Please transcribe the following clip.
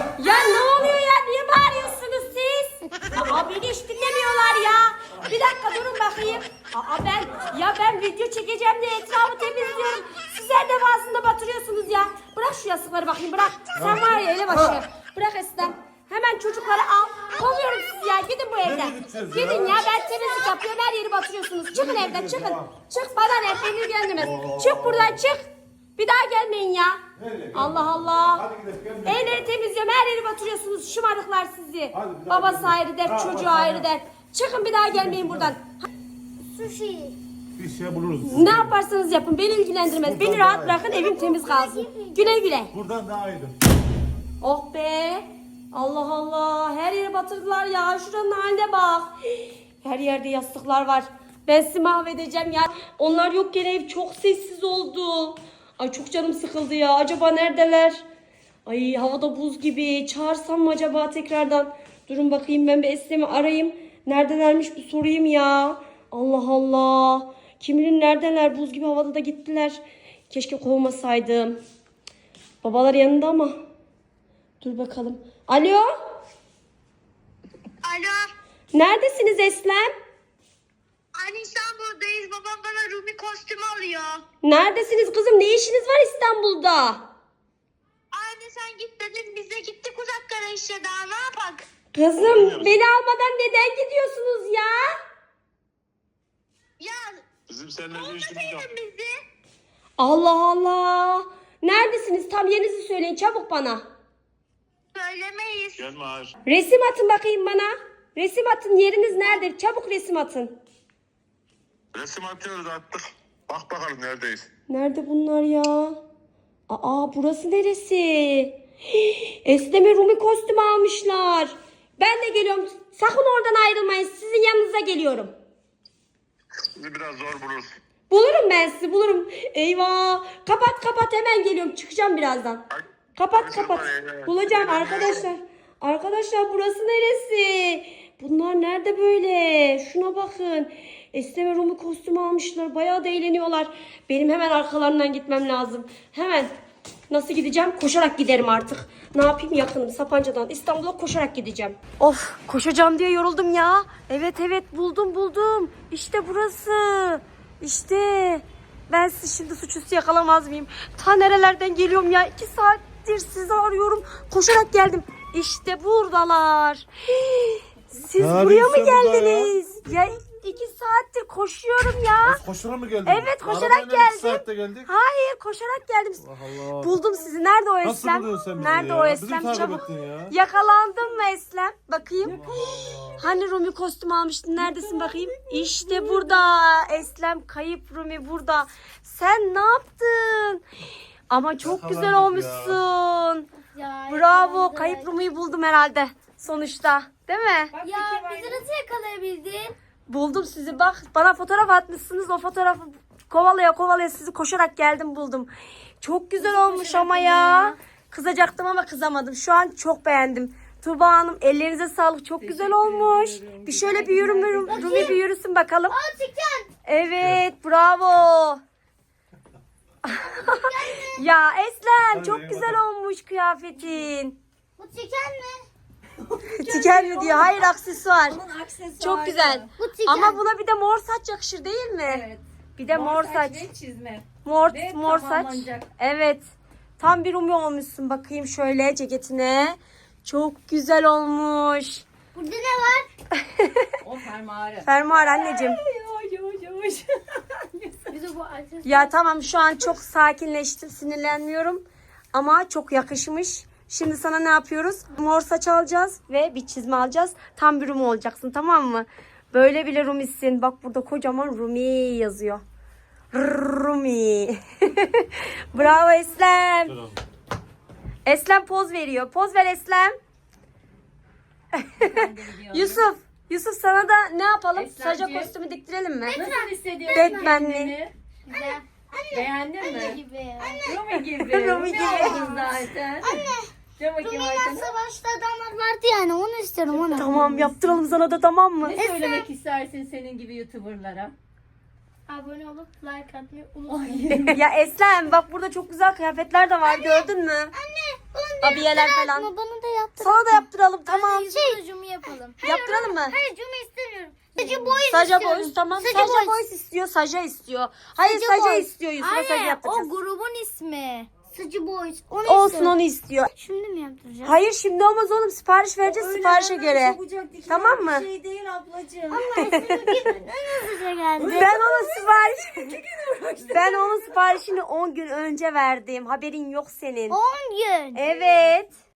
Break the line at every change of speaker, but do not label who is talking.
Ya ne oluyor ya? Niye bağırıyorsunuz siz? Aa beni hiç dinlemiyorlar ya. Bir dakika durun bakayım. Ben video çekeceğim diye etrafı temizliyorum. Sizler de bazında batırıyorsunuz ya. Bırak şu yastıkları bakayım bırak. Sen var ya elebaşı. Bırak Eslem. Hemen çocukları al. Kovuyorum sizi ya. Gidin bu evden. Gidin ya ben temizlik yapıyorum. Her yeri batırıyorsunuz. Çıkın evden çıkın. Çık bana ne? Beni ilgilendirmez. Çık buradan çık. Bir daha gelmeyin ya. Allah Allah. Evleri temizliyorum. Her yeri batırıyorsunuz. Şımarıklar sizi. Babası ayrı dert, çocuğu ayrı dert. Çıkın bir daha gelmeyin buradan.
Sushi.
Bir şey buluruz.
Ne yaparsanız yapın. Beni ilgilendirmez. Beni rahat bırakın. Evim temiz kalsın. Güle güle.
Buradan daha iyiydi.
Oh be. Allah Allah. Her yeri batırdılar ya. Şuranın haline bak. Her yerde yastıklar var. Ben sizi mahvedeceğim ya. Onlar yokken ev çok sessiz oldu. Ay çok canım sıkıldı ya. Acaba neredeler? Ay havada buz gibi. Çağırsam mı acaba tekrardan? Durun bakayım ben bir Eslem'i arayayım. Neredelermiş bir sorayım ya. Allah Allah. Kim bilir neredeler? Buz gibi havada da gittiler. Keşke kovmasaydım. Babalar yanında ama. Dur bakalım. Alo?
Alo.
Neredesiniz Eslem?
Anne İstanbul'dayız. Babam bana Rumi kostümü alıyor.
Neredesiniz kızım? Ne işiniz var İstanbul'da?
Anne sen git dedin. Biz de gittik uzaklara işte daha ne yapak?
Kızım beni almadan neden gidiyorsunuz ya?
Ya
Bizim seninle bir işimiz yok.
olmasaydın bizi.
Allah Allah. Neredesiniz? Tam yerinizi söyleyin çabuk bana.
Söylemeyiz.
Gelme hayır.
Resim atın bakayım bana. Resim atın yeriniz nerede? Çabuk resim atın.
Resim atıyoruz attık. Bak bakalım neredeyiz.
Nerede bunlar ya? Aa burası neresi? Esneme Rumi kostümü almışlar. Ben de geliyorum. Sakın oradan ayrılmayın. Sizin yanınıza geliyorum.
Bizi biraz zor buluruz.
Bulurum ben sizi bulurum. Eyvah. Kapat hemen geliyorum. Çıkacağım birazdan. Kapat. Bulacağım arkadaşlar. Arkadaşlar burası neresi? Bunlar nerede böyle? Şuna bakın. Esneme Rumi kostümü almışlar. Bayağı da eğleniyorlar. Benim hemen arkalarından gitmem lazım. Hemen. Nasıl gideceğim? Koşarak giderim artık. Ne yapayım yakınım Sapanca'dan İstanbul'a koşarak gideceğim. Of koşacağım diye yoruldum ya. Evet buldum. İşte burası. İşte. Ben sizi şimdi suçüstü yakalamaz mıyım? Ta nerelerden geliyorum ya? 2 saattir sizi arıyorum. Koşarak geldim. İşte buradalar. Siz
Ne
buraya mı
arıyorsun burada
geldiniz? Ya 2 saattir koşuyorum ya.
Koşarak mı geldin?
Evet koşarak
Arabayla
geldim.
2 saatte geldik.
Hayır koşarak geldim.
Allah Allah.
Buldum sizi. Nerede o
Nasıl
Eslem?
buluyorsun sen bizi
Nerede
ya?
o
Bizi
Eslem?
takip
Çabuk.
ettin ya.
Yakalandın mı Eslem? Bakayım. Hani Rumi kostüm almıştın? Neredesin bakayım? İşte burada. Eslem kayıp Rumi burada. Sen ne yaptın? Ama çok güzel
Yakalandık
olmuşsun.
Ya,
Bravo. Kayıp Rumi'yi buldum herhalde. Sonuçta. Değil mi?
Ya bizi nasıl yakalayabildin?
Buldum sizi bak. Bana fotoğraf atmışsınız. O fotoğrafı kovalaya sizi koşarak geldim buldum. Çok güzel olmuş ama ya. Kızacaktım ama kızamadım. Şu an çok beğendim. Tuğba Hanım ellerinize sağlık. Çok güzel olmuş. Bir şöyle bir Rumi bir yürüsün bakalım.
Çıkan.
Evet bravo. Ya Eslem çok güzel olmuş kıyafetin.
Bu çıkan mı?
Tiken mi diyor? Hayır aksesuar. Çok güzel.
Bu çıkan.
Ama buna bir de mor saç yakışır değil mi?
Evet.
Bir de mor saç.
ve çizme.
Mor
Ve
saç.
tamamlanacak.
Evet. Tam bir Rumi olmuşsun. Bakayım şöyle ceketine. Çok güzel olmuş.
Burada ne var?
O fermuarı.
Fermuar anneciğim.
Yavaş.
Bize bu açız.
Ya tamam şu an çok sakinleştim. Sinirlenmiyorum. Ama çok yakışmış. Şimdi sana ne yapıyoruz? Mor saç alacağız ve bir çizme alacağız. Tam bir Rumi olacaksın tamam mı? Böyle bile Rumisin. Bak burada kocaman Rumi yazıyor. Rumi. Bravo Eslem. Eslem poz veriyor. Poz ver Eslem. Yusuf sana da ne yapalım? Saca
Eslemciğim.
kostümü diktirelim mi?
Nasıl hissediyorsun
Batman'li.
kendini?
Güzel.
Beğendin mi?
Gibi.
Rumi gibi.
Rumi
Rumi
gibi.
oldun zaten. Dur bakayım
Rumi'yle
arkana.
savaşta adamlar vardı yani onu istiyorum onu.
Tamam yaptıralım sana da tamam mı?
Ne söylemek istersin senin gibi YouTuber'lara?
Abone olup like atmayı unutmayın.
Ya Eslem bak burada çok güzel kıyafetler de var gördün mü?
Anne
Abiyeler falan.
Bana da yaptır.
Sana da yaptıralım tamam.
Ucumu yapalım.
Yaptıralım mı?
Hayır cumu istemiyorum. Saja boys
Saja
istiyorum.
Boys tamam.
Saja
Saja
Boys.
Boys istiyor. Saja istiyor. Hayır
Saja
Saja
Boys.
istiyor. Yusuf'a Saja
Anne,
yaptıracağız.
o grubun ismi. Saja Boys. Onu
Olsun
istiyorum.
onu istiyor.
Şimdi mi yaptıracağız?
Hayır şimdi olmaz oğlum. Sipariş vereceğiz siparişe göre.
Çabucak dikilen
Tamam mı?
Bir şey değil ablacığım.
Hızlıca geldi.
Ben onun siparişini 10 gün önce verdim. Haberin yok senin.
10 gün.
Evet.